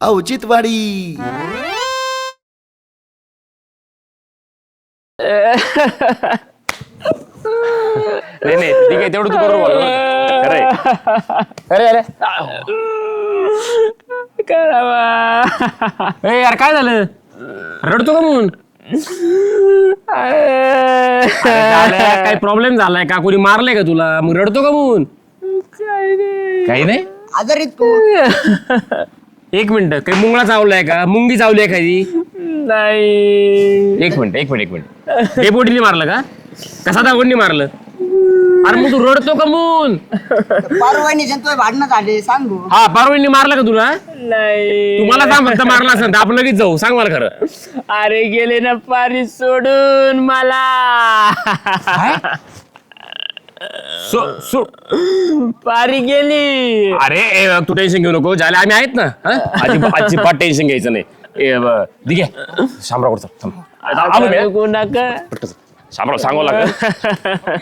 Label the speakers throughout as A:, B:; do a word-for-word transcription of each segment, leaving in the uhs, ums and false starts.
A: औचित्यवाडी.
B: नाही नाही ठीक आहे तेवढं तू बरोबर बोल. अरे अरे अरे ए यार काय झालं रडतो का म्हणून काय प्रॉब्लेम झालाय का कोणी मारलाय का तुला मग रडतो का म्हणून काही नाही
C: आजारी तू
B: एक मिनिट काही मुंगळा चावलाय का मुंगी चावली एखादी नाही एक मिनिट एक मिनिट एक मिनिट डेपोटीने मारलं का कसा दागोंनी मारलं अरे मग तू रडतो का मून
C: परवानी तुझे भांडणं झाले सांगू
B: हा पारवणी मारला का तुला नाही तुम्हाला सांग फक्त मारला असेल तर आपण लगेच जाऊ सांग मला खरं अरे गेले ना पारी सोडून मला सो सो पारी गेली अरे ए, तू टेन्शन घेऊ नको झाले आम्ही आहेत ना अजिबात अजिबात टेन्शन घ्यायचं नाही ठीक आहे शामराव शामराव सांगू लागेल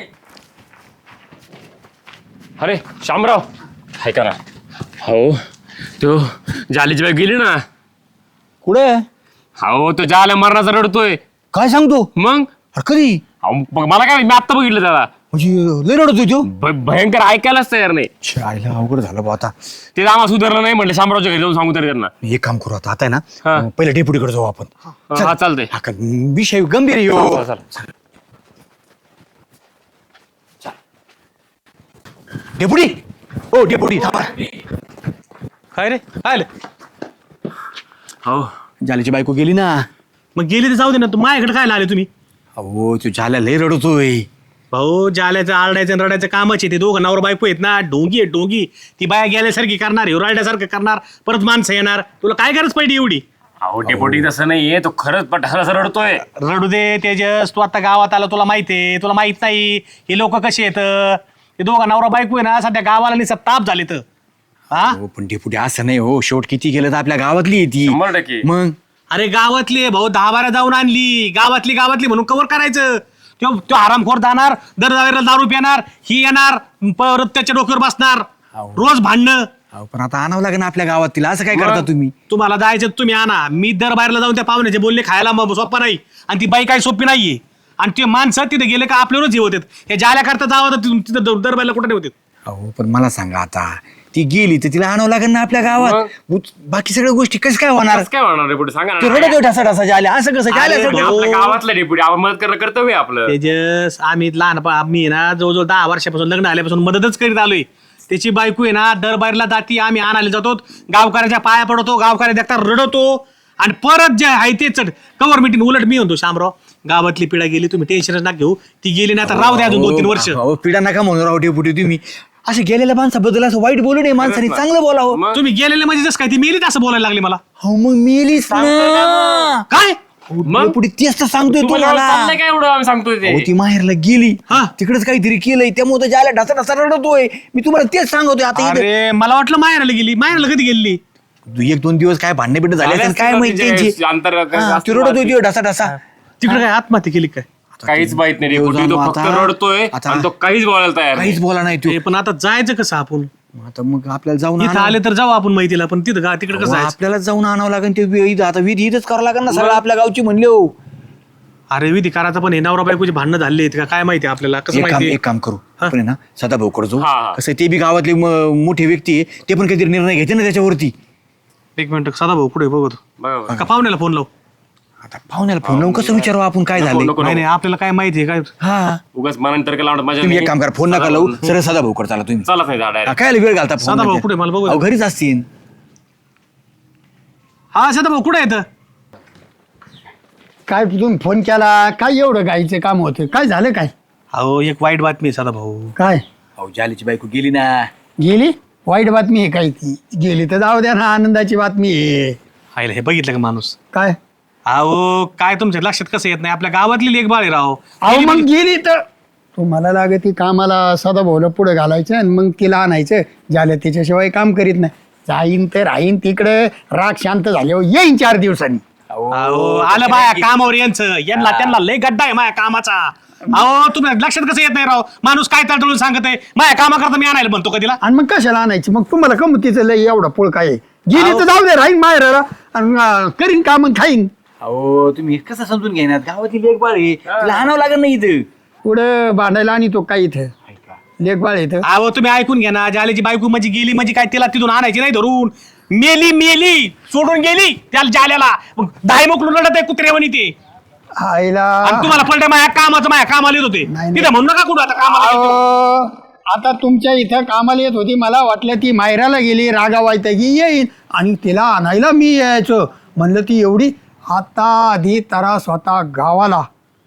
B: अरे शामराव हाय का ना हो तो जालीची बाई गेली ना
D: कुठे
B: हो तो जाल्या मरणाचा रडतोय
D: काय सांगतो
B: मग
D: अरे कधी
B: अहो, मग मला काय मी आत्ता बघितलं त्याला
D: म्हणजे लय रडतोय तो
B: भ- भयंकर ऐकायलाच तयार नाही
D: शाळेला अवघड झालं बा आता.
B: ते आम्हाला सुधारलं नाही म्हटलं शामरावच्या घरी जाऊन सांगू तरी त्यांना
D: एक काम करू आता आता आहे
B: हा.
D: ना पहिले डेप्युटीकडे जाऊ आपण
B: हा चालतंय
D: हा का, विषय गंभीर आहे ह्यो. डेपुटी ओ डेपुटी थांबा.
E: काय रे काय आलं?
B: हो
D: जालीची बायको गेली ना.
E: मग गेली तर जाऊ दे ना तू माझ्याकडे काय आले तुम्ही
D: अहो तू झाल्या लय रडतोय.
E: भाऊ जाल्याचं आरडायचं आणि रडायचं कामच आहे ते दोघं नवरा बायको आहेत ना ढोंगी आहे ढोंगी ती बाया गेल्यासारखी करणार हे रडायसारखं करणार परत माणसं येणार तुला काय गरज पडली एवढी
B: अहो डेपोटी तसं नाहीये तो खरंच पठाराचा रडतोय
E: रडू दे तेजस तू आता गावात आला तुला माहिती आहे तुला माहित नाही हे लोक कसे आहेत हे दोघं नवरा बायको आहे ना सध्या गावाला निसा ताप झाले तर हा
D: हो पण डेपुटी असं नाही हो शेवट किती गेलं तर आपल्या गावातली आहे ती.
B: शंभर टक्के.
D: मग
E: अरे गावातली आहे भाऊ दहा बारा जाऊन आणली गावातली गावातली म्हणून कव्हर करायचं तो तो आरामखोर जाणार दर जावेला दारू पिणार ही येणार परत त्याच्या डोक्यावर बसणार रोज भांडणं
D: अहो पण आता आणावं लागेल ना आपल्या गावात तिला असं काय करता तुम्ही.
E: तुम्हाला जायचं तुम्ही आणा मी दर बाहेरला जाऊन त्या पाहुण्याचे बोलले खायला मग सोपं नाही आणि ती बाई काही सोपी नाहीये आणि ते माणसं तिथे गेले का आपल्यावरच हे होतात हे जाल्या करता जावं तर तिथं दर बाहेरला कुठे होते
D: अहो पण मला सांगा आता ती गेली तर तिला आणावं लागेल ना आपल्या गावात बाकी सगळ्या गोष्टी कसं काय होणार.
B: कसं काय होणार डेपोटी सांगा
D: ते
B: ना
D: रडत ढसा ढसा झाल्या असं कसं
E: अरे
D: झालं
E: भाऊ.
B: आपल्या गावातलं डेपोटी आपण मदत करणं कर्तव्य आहे आपलं
E: तेजस आम्ही लहान आम्ही ना जवळजवळ दहा वर्षापासून लग्न आल्यापासून मदतच करीत आलोय त्याची बायको आहे ना दर बाहेरला जाती आम्ही आणायला जातो गावकऱ्याच्या पाया पडतो गावकऱ्या देखता रडवतो आणि परत जे आहे ते चढ कवर मिटिंग उलट मी म्हणतो शामराव गावातली पिढा गेली तुम्ही टेन्शनच ना घेऊ ती गेली ना तर राहू द्या अजून दोन तीन वर्ष
D: हो पिढा नका म्हणून राहू डेपुटी तुम्ही असं गेलेल्या माणसाबद्दल असं वाईट बोलू नये माणसाने चांगलं बोलावं.
B: मग?
E: तुम्ही गेलेले म्हणजे जसं काय ती मेलीत असं बोलायला लागली मला
D: हो मग मेलीच ना
E: काय
B: मग?
D: डेपुटी तेच तर सांगतोय
B: तुम्हाला
D: तुम्हाला.
B: चाललंय काय एवढं आम्ही सांगतोय
D: अहो,
B: ते
D: ती माहेरला गेली
E: हा.
D: तिकडेच काहीतरी केलंय त्यामुळे ज्याला ढसा ढसा रडतोय मी तुम्हाला तेच सांगतोय आता इथे.
E: अरे मला वाटलं माहेराला गेली माहेराला कधी गेली
D: एक दोन दिवस काय भांडणे बिंड झाले असेल, काय माहिती त्यांची.
B: अंतर
D: हा, ती रडतोय ती ढसा ढसा
E: तिकडे काय आत्महत्या केली काय
B: काहीच माहित नाही डेपोटी तो फक्त
D: आता-
B: रडतोय
D: आता-
B: आणि तो काहीच बोलायला तयार नाही.
D: काहीच बोला नाही
E: ते पण आता जायचं कसं आपण
D: तू आता मग आपल्याला जाऊन
E: इथं
D: आणावं-
E: आले तर जाऊ आपण माहितीला पण तिथं गा तिकडे कसं
D: अहो,
E: जायचं
D: आपल्याला जाऊन आणावं लागेल ते विधी आता विधी इथंच करावं लागेल ना सगळं आपल्या गावची म्हणले हो.
E: अरे विधी करायचं पण हे नवरा बायकोची भांडणं झाले आहेत का काय माहिती आपल्याला कसं
D: एक काम
E: माहिती
D: एक काम करू आपण आहे ना सदा भाऊकडे जाऊ
B: हा, हा.
D: कसं आहे, ते बी गावातले म- मोठे व्यक्ती आहे ते पण काहीतरी निर्णय घेते ना त्याच्यावरती.
E: एक मिनिट साधा भाऊ कुठे बघतो
B: बरोबर.
E: का पाहुण्याला फोन लाव
D: आता पाहुण्याला फोन लावून कसं विचारू आपण काय झालं.
B: नको,
E: नाही नाही आपल्याला काय माहिती आहे काय
D: हा
B: उगाच मनाने तर लावणार माझ्या
D: तुम्ही एक काम करा फोन नका लावू सरळ सदा भाऊकडे चला तुम्ही.
B: चला नाही झाड
D: हा, काय वेळ घालता
E: सदा भाऊ कुठे मला बघू
D: अहो, घरीच असतील.
E: हा साधा भाऊ कुठे येतं
F: काय तुम्ही फोन केला काय एवढं गायचं काम होतं काय झालं काय
E: अहो एक वाईट बातमी आहे साधा भाऊ
F: काय
D: अहो जालीची बायको गेली ना.
F: गेली वाईट बातमी आहे काय ती गेली तर जाऊ द्या ना आनंदाची बातमी आहे
E: आईला हे बघितलं का माणूस
F: काय
E: अहो काय तुमच्या लक्षात कसं येत नाही आपल्या गावातली लेख बाळ आहे राव
F: अहो मग गेली तर तुम्हाला लागे ती कामाला सदा भाऊला पुढे घालायचं आणि मग तिला आणायचं झालं त्याच्याशिवाय काम करीत नाही जाईन तर राहीन तिकडे राग शांत झाल्यावर येईन चार दिवसांनी
E: अहो आलं बाया कामावर यांचं यांना त्यांना लय गड्डा आहे माझ्या कामाचा अहो तुम्ही लक्षात कसं येत नाही राव माणूस काय तळतळून सांगत आहे माझ्या कामाकरता मी आणायला म्हणतो का तिला
F: आणि मग कशाला आणायची मग तुम्हाला कम तिचं लय एवढा पोळ काय आहे? गेली तर जाऊ दे राहीन माहेराला आणि अं, करीन काम आणि खाईन.
D: अहो तुम्ही कसं समजून घेणार गावातील एक बाळ आहे तिला आणावं लागेल ना इथं.
F: पुढे भांडायला आणि तो काय इथं लेखबाळ इथं.
E: अहो तुम्ही ऐकून घ्या ना, जाल्याची बायको म्हणजे गेली म्हणजे काय तिला तिथून आणायची नाही धरून, मेली मेली सोडून गेली त्याला जाल्याला, मग दाय मोकलून रडत आहे कुत्रेवणी ते.
F: आईला
E: आणि तुम्हाला पलटे माझ्या कामाचं माझ्या कामाला येत होते
F: नाही,
E: तिथे म्हणू नका कुठं आता कामाला येतो.
F: अहो, आता तुमच्या इथं कामाला येत होती, मला वाटलं ती मायराला गेली रागा की येईन आणि तिला आणायला मी यायचो. म्हणलं ती एवढी आता आधी तरा स्वतः गावाला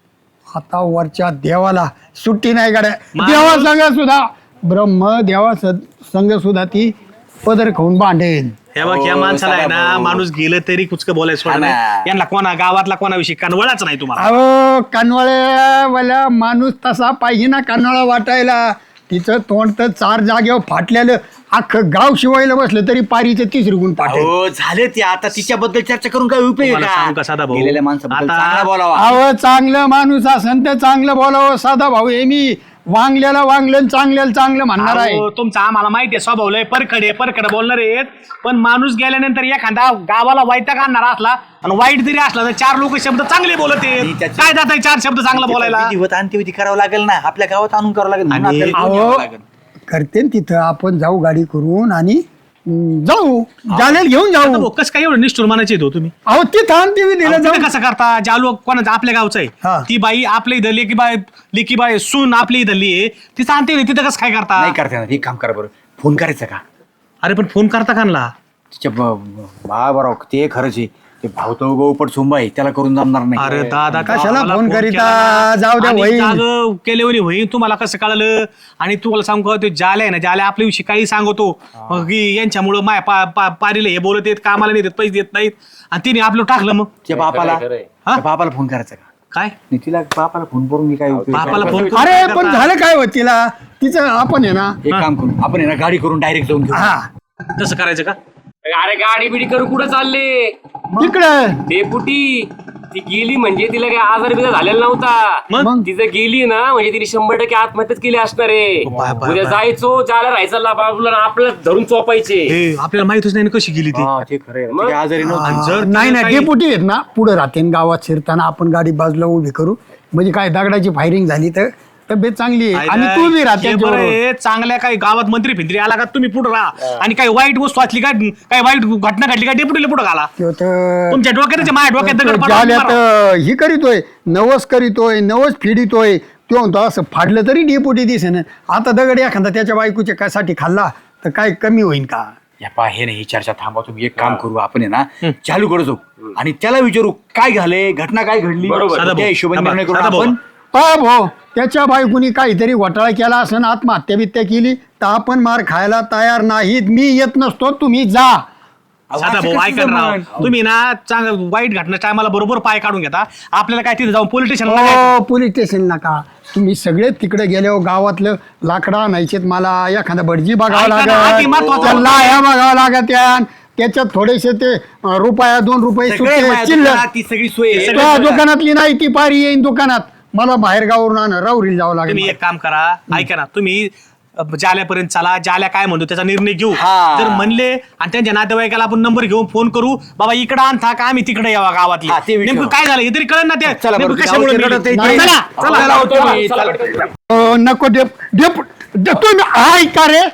F: आता वरच्या देवाला सुट्टी नाही गाड्या. देवा संघ सुद्धा ब्रह्म देवा संघ सुद्धा ती पदर खाऊन बांधेल.
E: हे बघ या माणसाला आहे ना, माणूस गेलं तरी कुचक बोलायचं सोडा नाही. यांना कोणा गावातला कोणाविषयी कानवळाच नाही तुम्हाला.
F: अहो कानवळ्यावाला माणूस तसा पाहिजे ना कानवळा वाटायला. तिचं तोंड तर चार जागेवर फाटलेलं, अख्खं गाव शिवायला बसलं तरी पारीचं तीस रुगून पाठव.
D: हो झालं ते आता तिच्याबद्दल चर्चा करून काय उपयोग
E: तुम्हाला सांगू का साधा भाऊ?
D: गेलेल्या माणसाबद्दल
E: आता-
D: चांगला बोलावा.
F: अहो चांगलं माणूस असन तर चांगलं बोलावं. साधा भाऊ हे मी वांगल्याला वांगलं चांगल्याला चांगलं म्हणणार आहे.
E: अहो, तुमचा आम्हाला माहिती आहे स्वभाव लय परखडे परखड बोलणार आहेत, पण माणूस गेल्यानंतर एखादा गावाला वैताग आणणार असला आणि वाईट जरी असला तर चार लोक शब्द चांगले बोलत
D: आणि
E: आहेत.
D: त्याची-
E: काय जात चार शब्द चांगला बोलायला.
D: विधिवत अंत्यविधी करावं लागेल ना, आपल्या गावात आणून करावं लागेल म्हणून
E: आणि-
D: आपल्याला घेऊन
F: अहो
D: यावं लागेल.
F: करते न तिथं आपण जाऊ गाडी करून आणि हम्म, जाऊ जाण्याला घेऊन जाऊ.
E: कस काय एवढं निष्ठुर मानायचे हो तुम्ही?
F: अहो तिथं आणते मी दिलं
E: अहो,
F: जाऊ.
E: तुम्ही कसं करता? ज्या लोक कोणाचं आपल्या गावचं
F: हा.
E: आहे ती बाई आपल्या इथं लेकी बाई लेकी बाई सून आपली इथली आहे, तिचं आणते तिथं कसं काय करता?
D: नाही करता येणार. एक काम करा बरं, फोन करायचा का
E: अरे पण फोन करता कानला?
D: तिच्या बा बरोबर ते खरंच आहे, ते भाऊ तो गोपट सुंबा आहे त्याला करून जमणार नाही.
E: अरे दादा
F: कशाला
E: मला
F: फोन करीता?
E: केला ना.
F: जाऊ द्या,
E: आणि
F: होईल.
E: जागं केल्यावर होईल. तुम्हाला कसं कळलं? आणि तुम्हाला सांगू का, ते जाले आहे ना, जाले आपल्याविषयी काही सांगतो मग की यांच्यामुळं माय पा- पा- पारीला हे बोलत येत, कामाला नाही देत, पैसे देत नाहीत, आणि तिने आपलं टाकलं. मग
D: त्या बापाला
B: खरंय.
D: त्या बापाला फोन करायचा का?
E: काय
D: नाही तिला बापाला फोन करून मी काय उपयोग?
E: बापाला फोन करून
F: अरे
E: काय
F: पण
E: करता?
F: झालं काय होत तिला तिचं आपण आहे ना.
D: एक काम करू आपण आहे ना गाडी करून डायरेक्ट जाऊन घेऊ.
F: हा
E: तसं करायचं का?
B: अरे गाडी बिडी करू कुठं चालले?
F: तिकडं
B: डेपुटी ती गेली म्हणजे तिला काही आजार बिजार झालेला नव्हता.
E: मग?
B: तिचं गेली ना म्हणजे तिने शंभर टक्के आत्महत्याच केली असणार आहे.
E: बाय, बाय,
B: उद्या
E: बाय.
B: जायचो ज्याला राहायचं बाबूला आपल्याला धरून चोपायचे.
E: हे आपल्याला माहितच नाही ना कशी गेली ती.
D: हा ते खरं आहे.
B: मग?
D: ती काय आजारी नव्हती.
E: आणि जर
F: नाही
E: तिला
F: ना
E: काही-
F: डेपुटी आहेत ना पुढे राहते न गावात शिरताना आपण गाडी बाजूला उभी करू म्हणजे काय दगडाची फायरिंग झाली तर तब्येत चांगली आहे. आणि तू बी राहते
E: हे बरं आहे, चांगल्या काही गावात मंत्री फिंत्री आला का तुम्ही पुढे राहा, आणि काही वाईट वस्तू असली का काही वाईट घटना घडली का डेपुटीला पुढे घाला. तुमच्या डोक्यात माझ्या डोक्यात दगड पाडून मारा.
F: झाल्यात ही करीतोय नवस करीतोय नवस फिडितोय तो म्हणतो असं फाडलं तरी डेपुटी दिसेन. आता दगड एखादा त्याच्या बायकोच्या काय साठी खाल्ला तर काय कमी होईल का?
D: या पा हे नाही ही चर्चा थांबवा तुम्ही. एक काम करू आपण आहे ना चालू करू जाऊ आणि त्याला विचारू काय झालंय घटना काय घडली
B: बरोबर.
E: साधा
D: त्या
E: भाऊ,
D: हिशोबाने
E: साधा
D: निर्णय करू
E: भाऊ.
D: आपण.
F: पहा भाऊ त्याच्या बायकोनी काहीतरी घोटाळा केला असं आत्महत्या बित्या केली तर आपण मार खायला तयार नाहीत. मी येत नसतो तुम्ही जा.
E: साधा
D: असं
E: भाऊ
D: कसं
E: ऐका ना राव.
D: जमलं?
E: तुम्ही ना चांगलं वाईट घटना टायमाला बरोबर पाय काढून घेता. आपल्याला काय तिथे जाऊन पोलीस स्टेशनला
F: हो पोलीस स्टेशन नका तुम्ही सगळे तिकडे गेल्यावर गावातलं लाकडा आणायचे मला एखादा भटजी बघावं
E: ऐका ना, आधी
F: लागत
E: महत्वाचं
F: त्या
E: होतं.
F: लाह्या बघावं लागत यान. त्याच्यात थोडेसे ते अं, रुपया दोन रुपये
D: सगळे
F: सुट्टे
D: माझ्या
F: चिल्लर
D: दुकानात ती सगळी सोय आहे.
F: त्या दुकानातली नाही ती पारी येईन दुकानात मला बाहेर गावावरून आण राहुरीला जावं
E: तुम्ही
F: लागेल.
E: एक काम करा ऐका ना तुम्ही अ, जाल्यापर्यंत चला, जाल्या काय म्हणतो त्याचा निर्णय घेऊ.
D: हा.
E: जर म्हणले आणि त्यांच्या नातेवाईकाला आपण नंबर घेऊन फोन करू बाबा इकडे आणता का आम्ही तिकडे यावा गावातली
D: हा, ते विचारू.
E: नेमकं काय झालं हे तरी कळलं ना ते
D: चला बरं,
E: नेमकं कशामुळे
D: गावातले
E: मेली?
D: रडत आहे.
F: नाही,
E: चला, चला.
D: आपल्याला होतो मी. चला.
F: अं, नको डेप डेप डे- तुम्ही ऐका रे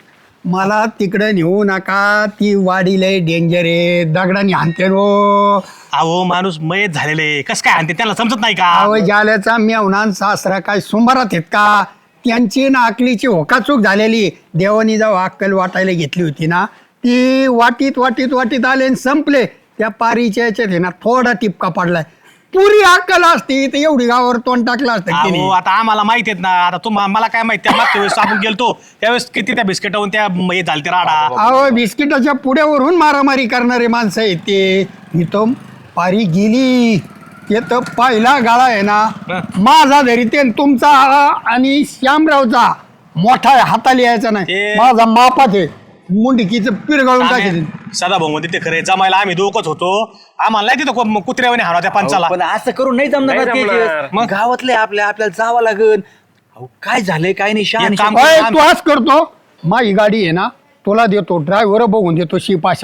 F: मला तिकडे नेऊ नका. ती वाडी लय डेंजर आहे दगडाने हाणते रो.
E: अहो माणूस मयत झालेले कस काय आणते त्याला समजत नाही का?
F: अहो जाल्याचा मेवणान सासरा काय सुंबारात आहेत का? त्यांची ना अकलीची होकाचूक झालेली. देवानी जेव्हा अक्कल वाटायला घेतली होती ना ती वाटीत वाटीत वाटीत आले आणि संपले. त्या पारीच्या याच्यात आहे ना थोडा टिपका पडलाय. पुरी अक्कल असती तर एवढी गावावर तोंड टाकलं असतं
E: अहो
F: तिने.
E: आता आम्हाला माहिती आहेत ना. आता तुम मला काय माहिती त्या मागच्या वेळेस आपण गेलतो त्यावेळेस किती त्या बिस्किटावून त्या म- हे झाले ते राडा.
F: अहो बिस्किटाच्या पुड्यावरून मारामारी करणारे माणसं आहेत ते. मी तो पारी गेली ते तर पहिला गाळा आहे ना माझा धरी ते तुमचा आणि श्यामरावचा मोठा आहे, हाताला यायचा नाही.
E: ते-
F: माझा मापात आहे मुंडकीचं पिरगाळून टाकेल.
E: सदा भाऊ मध्ये ते खरे जमायला आम्ही दोघच होतो. आम्हाला नाही तिथं को- कुत्र्यावाने हाणा त्या पंचाला.
D: पण असं करून नाही जमणार
B: नाही
D: ना ते
B: जमणार.
D: जे- मग गावातले आपल्या आपल्याला जावं लागेल. अहो काय झालंय काय नाही शहा
E: एक काम
F: अय, तू आज करतो माझी गाडी आहे ना तुला देतो ड्रायव्हर बघून देतो शिपाशाचं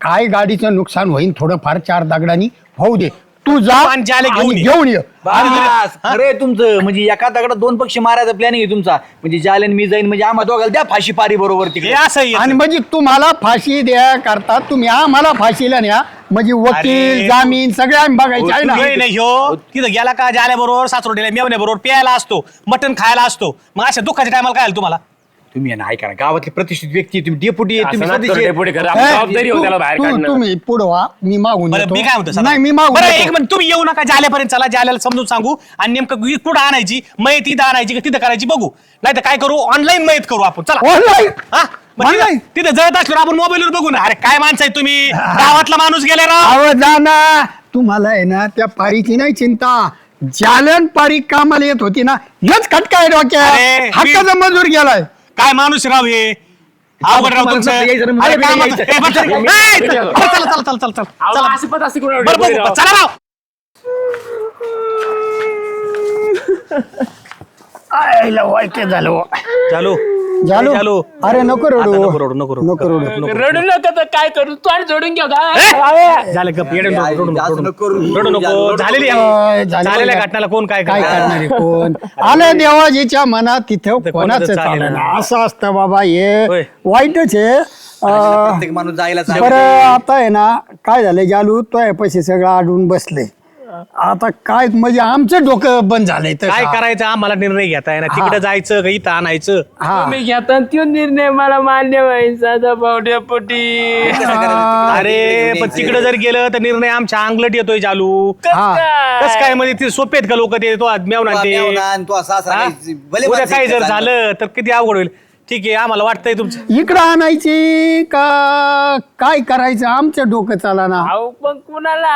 F: काय गाडीचं नुकसान होईल थोडंफार चार दगडांनी होऊ दे. तू जा
E: आणि जाले घेऊन
F: आणि
E: ये.
F: घेऊन ये.
D: बस, खरंय तुमचं. म्हणजे एका दगडात दोन पक्षी मारायचा प्लॅनिंग आहे तुमचा. म्हणजे जालेन मी जाईन म्हणजे आम्हा दोघाला द्या फाशी पारी बरोबर
E: हे
D: तिकडे.
E: असं आहे.
F: आणि म्हणजे तुम्हाला फाशी द्या करता तुम्ही आम्हाला फाशीला न्या. म्हणजे वकील
E: अरे.
F: जामीन सगळे आम्ही बघायचे आहे ना.
E: नाही नाही ह्यो तिथं गेला का जाल्या बरोबर सासरोडीला मेवण्या बरोबर प्यायला असतो, मटण खायला असतो. मग अशा दुःखाच्या टायमाला काय आलं तुम्हाला?
D: तुम्ही आहे ना ऐका ना, गावातली प्रतिष्ठित व्यक्ती आहे, तुम्ही डेपुटी आहे, तुम्ही
B: असं नका
D: सदस्य
B: करू,
D: आहे.
B: डेपुटी करा.
F: ए,
B: आपली जबाबदारी होती त्याला बाहेर
F: तू-
B: काढणं.
F: तुम्ही पुढं व्हा मी मागून
E: बरं
F: येतो.
E: मी काय म्हणतो
F: नाही मी मागून
E: बरं
F: येतो.
E: एक मिनिट तुम्ही येऊ नका जाल्यापर्यंत चला, जाल्याला समजून सांगू आणि नेमकं कुठं आणायची मयत इथं आणायची का तिथं करायची बघू. नाही तर काय करू, ऑनलाईन मयत करू आपण. चला
F: ऑनलाईन
E: हा? मग तिथं-
F: Online?
E: तिथं जळत असल्यावर आपण मोबाईलवर बघू ना. अरे काय माणसं आहे तुम्ही, गावातला माणूस गेले राव.
F: अहो जा ना. तुम्हाला आहे ना त्या पारीची नाही चिंता. जालन पारी कामाला येत होती ना, हेच खटका आहे
E: अरे,
F: डोक्यात. हक्काचा मजूर गेलाय.
E: काय माणूस राव हे, अवघड राव तुमचं.
D: तुम्हाला यायचं ना,
E: अरे
D: मला
E: काय
D: बी
E: म्हणता?
D: यायचं.
E: ए, बस, ए, चला चला चला चला चला
B: अहो,
E: चला
B: असं पण असते कोणावर
E: बरं
B: डेपुटी
E: बघू,
B: राव.
E: चला राव.
F: आयला वाईट झालं.
E: चालू
F: झालो
E: चालू.
F: अरे नको रडू
E: आता नको रडू, नको रडू.
F: नको रडू.
B: रडू नका तर काय करू, तू आणि जोडून घेऊ का?
E: ए, झालं गप, येडे नको, रडू नको,
D: जास्त
E: रडू
D: नको
E: नको.
D: करू.
E: रडू नको.
D: रडू
E: झालेली
F: अं,
E: आहे.
F: झालेली
E: झालेल्या
F: आहे.
E: घटनाला कोण काय
F: काय
E: करणार?
F: करणार आहे कोण? आलं देवाजीच्या मनात तिथे
E: कोणाचं
F: कोणाचं
E: चालेल
F: चालेल
E: ना.
F: असं असतं बाबा. हे
E: होय.
F: वाईटच आहे. अं,
D: प्रत्येक माणूस जायला
F: बरं आता आहे ना काय झालं जालू तो आहे पैसे सगळं आडून बसले. आता काय म्हणजे आमचं डोकं बंद झालंय तर
E: काय करायचं आम्हाला निर्णय घेता आहे ना, तिकडे जायचं का इथं आणायचं.
F: हा
B: तुम्ही घेता तो निर्णय मला मान्य व्हायचा साधा भावड्यापोटी.
E: अरे पण तिकडे जर गेलं तर निर्णय आमच्या अंगलट येतोय चालू.
F: हा.
E: कस काय म्हणजे ते सोपे आहेत का लोक ते तो मेवना ते हा? उद्या काही जर झालं तर किती अवघड होईल. ठीक आहे आम्हाला वाटतंय तुमचं.
F: इकडं आणायची का काय करायचं आमचं डोकं चाला ना.
B: अहो पण कुणाला?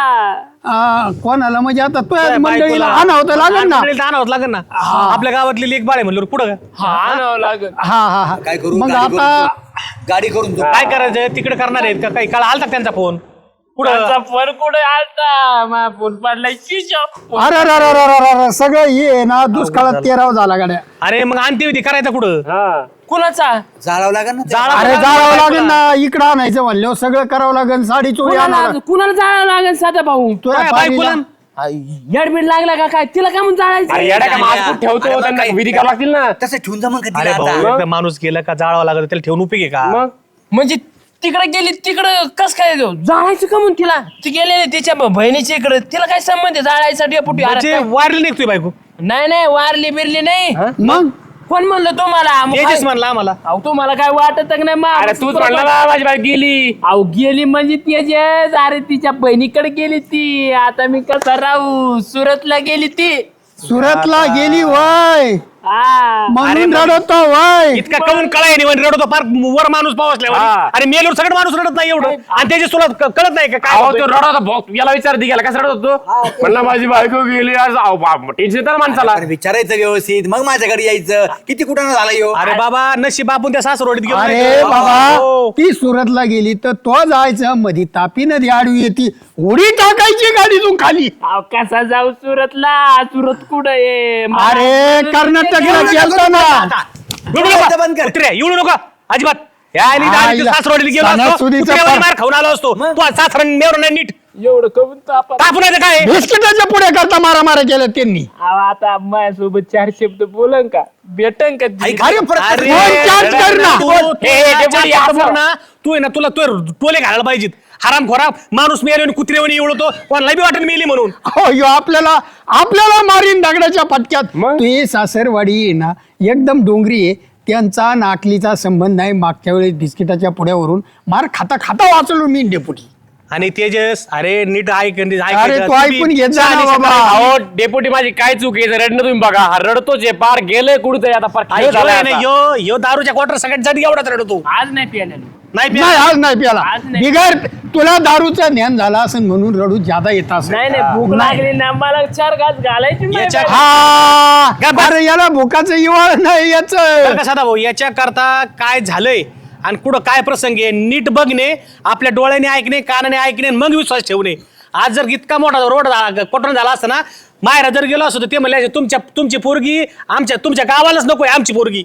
F: आ, कोणाला म्हणजे आता तो
E: काय
F: मंडळीला
E: बायकोला?
F: आणावं तर लागेल ना.
E: मंडळीला आणावं लागेल ना. आपल्या गावातली लेख बाळ आहे म्हणलं पुढं का?
B: हा आणावं लागेल.
F: हा हा हा
D: काय करू
F: मग
D: गाडी
F: आता
D: करून- गाडी करून जाऊ.
E: काय करायचं तिकडे करणार आहेत का काही काळ आलता का त्यांचा फोन पुढं?
B: त्यांचा फोन कुठे आलता? मा फोन पडलाय शिशॉप.
F: अरे अरे अरे अरे अरे अरे, सगळं हे आहे ना दुष्काळात तेराव झाला गाड्या.
E: अरे मग अंत्यविधी करायचा कुठं?
B: हा कुणाचा?
D: जाळावं लागेल ना ते.
E: जाळा-
F: अरे जाळावं लागेल ना. इकडं आणायचं म्हणल्यावर सगळं करावं लागेल. साडी चोळी आणावं
B: कुणाला कुणाला जाळावं लागेल साधा भाऊ?
F: तुझ्या
E: काय
F: पारीला-
E: बायकोला?
B: येडबीड लागला का काय? तिला काय म्हणून जाळायचं?
E: अरे येडा का माणूस ठेवतो
D: अरे मग
E: त्यांना
D: काय-
E: विधी करावं लागतील ना.
D: तसं ठेवून जा मग कधी
E: अरे
D: आता.
E: भाऊ एकदा माणूस गेला का जाळावं लागत त्याला ठेवून उपयोग आहे का?
B: मग म्हणजे तिकडे गेली तिकडं कस काय जाळायचं का म्हणून तिला? ती गेलेली तिच्या बहिणीच्या इकडे, तिला काय संबंध आहे जाळायचा डेपुटी? अरे
E: म्हणजे
B: काय?
E: वारली नाही तुझी बायको?
B: नाही नाही वारली बिरली नाही.
F: मग
B: कोण म्हणलं तुम्हाला? मग
E: तेजस
B: काय-
E: म्हणला आम्हाला.
B: अहो तुम्हाला काय वाटत का नाही?
E: अरे तूच म्हणला ना माझी बायको गेली.
B: अहो गेली म्हणजे तेजस, अरे तिच्या बहिणीकडे गेली ती. आता मी कसा राहू? सुरतला गेली ती.
F: सुरतला गेली वय
B: हा
F: म्हणून रडतो वय.
E: इतका कळून कळाय नाही म्हणजे रडतो फार वर माणूस पावसल्या अरे मेलवर सगळं माणूस रडत नाही एवढं आणि त्याची तुला क- कळत नाही का काय
B: अहो
E: होतंय?
B: तो रडत होता. याला विचार दे गेला कसं रडत होतो? म्हणला माझी बायको गेली. आज टेन्शन येतं ना माणसाला.
D: अरे विचारायचं व्यवस्थित मग माझ्याकडे यायचं. किती कुठं झाला यो.
E: अरे बाबा नशीब आपण त्या सासरोडीत गेलो
F: अरे
E: नाही.
F: बाबा
E: हो.
F: ती सुरतला गेली तर तो जायचं मधी तापी नदी आडवी येते उडी टाकायची गाडीतून खाली.
B: अहो, कसा जाऊ सुरतला? सुरत कुठं आहे?
F: अरे कर्नाटकला गेलतो ना.
E: रडू नका.
D: बंद कर.
E: कुत्र्या, येऊ नका अजिबात या आली
F: हा,
E: दारी,
F: इला-
E: सासरवाडीला गेलो असतो,
F: सणासुदीचा
E: कुत्र्यावानी
F: पार-
E: मार खाऊन आलो असतो तू सासरा मेवर नाही नीट
B: एवढं करून तापा.
E: तापून येतं काय
F: बिस्किटाच्या पुढे करता मारा मारा केलं त्यांनी.
B: अहो, आता माझ्यासोबत चार शब्द बोलन का? भेटन का ती?
D: ऐक, अरे परत-
E: अरे,
F: फोन चार्ज कर ना.
E: तू-
B: हे,
E: तू
B: हे,
E: ना
B: डेपुटी,
E: चार
B: असं.
E: फोन ना, तू आहे ना तुला तो टोले घालायला पाहिजेत. हराम खोरा माणूस मेल्याने कुत्रेवानी एवढतो कोणाला बी वाटत मेली म्हणून.
F: हो यो आपल्याला आपल्याला मारीन दगडाच्या पटक्यात.
B: मग?
F: तू ही सासरवाडी आहे ना एकदम डोंगरी आहे. त्यांचा नाकलीचा संबंध नाही. मागच्या वेळेस बिस्किटाच्या पुढ्यावरून मार खाता खाता वाचलो मी डेपुटी.
E: आणि तेजस अरे नीट ऐक ऐक-
F: अरे तू ऐकून घेत जा ना बाबा.
B: अहो डेपुटी माझी काय चूक आहे? रडणं तुम्ही बघा. हा रडतोच आहे. पार गेलंय कुठे आता पार खाली
E: यो
B: झालाय
E: आहे ना,
B: आता.
E: यो यो दारूच्या क्वार्टर सगळ्यात जड एवढाच रडतो.
B: आज नाही प्यायला.
E: नाही
F: नाही
E: प्या-
F: आज नाही प्याला
B: आज नाही.
F: बिगर तुला दारूचं ज्ञान झालं असेल म्हणून रडू ज्यादा येत असेल.
B: नाही नाही भूक लागली ना मला चार घास घालायची नाही
E: याच्या-
B: बाई.
F: हा
E: गप्प बस.
F: अरे याला भुकाचं इवाळ नाही याच.
E: बरं का सदा भाऊ याच्या करता काय झालंय आणि कुठं काय प्रसंग आहे नीट बघणे आपल्या डोळ्याने ऐकणे कानाने ऐकणे आणि मग विश्वास ठेवणे. आज जर इतका मोठा रोड झाला कोटण झाला असता ना मायरा जर गेलो असतो तर ते म्हणले तुमच्या तुमची पोरगी आमच्या तुमच्या गावालाच नकोय आमची पोरगी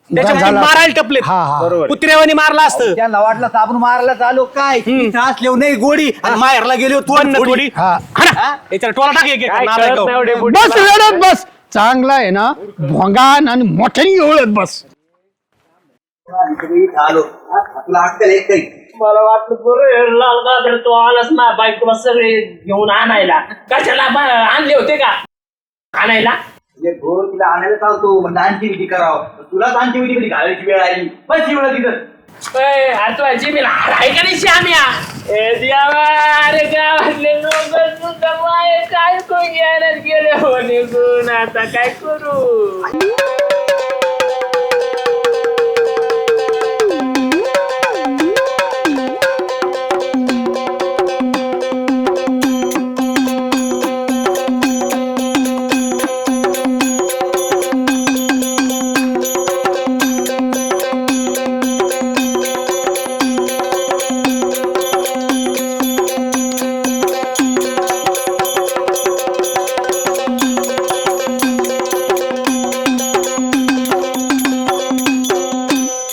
E: त्याच्यामध्ये
F: झाला.
E: मारायला टपले
F: हा, हा.
E: कुत्र्यावानी मारला असतं
D: त्यांना वाटलं तर आपण मारायला चालू काय इथं असल्यावर नाही गोडी आणि माहेरला गेलो
E: पण ना थोडी
F: हा.
E: याच्याला टोला टाक एक एक,
B: काय
E: नारळ
B: कळत
E: खाऊ.
B: नाही हो डेपुटी.
F: बस रडत बस चांगला आहे ना भोंगान आणि मोठ्याने ओळत बस
D: आलो तुला अक्कल एक काही
A: मला वाटलं बरं लाल गाजर तो आलाच ना बायकोला सगळे घेऊन आणायला कशाला बा- आणले होते का आणायला
D: भोर तिला आणायला चालतो म्हणजे आणखी विधी करावं तुलाच आणखी विधी कधी घालायची वेळ आली बस वेळ तिथं
A: ए, अरे तू आजी मी आहे का नाही श्याम्या ए देवा, अरे गावातले लोक सुद्धा माय काय कोण घ्यायला गेले हो निघून आता काय करू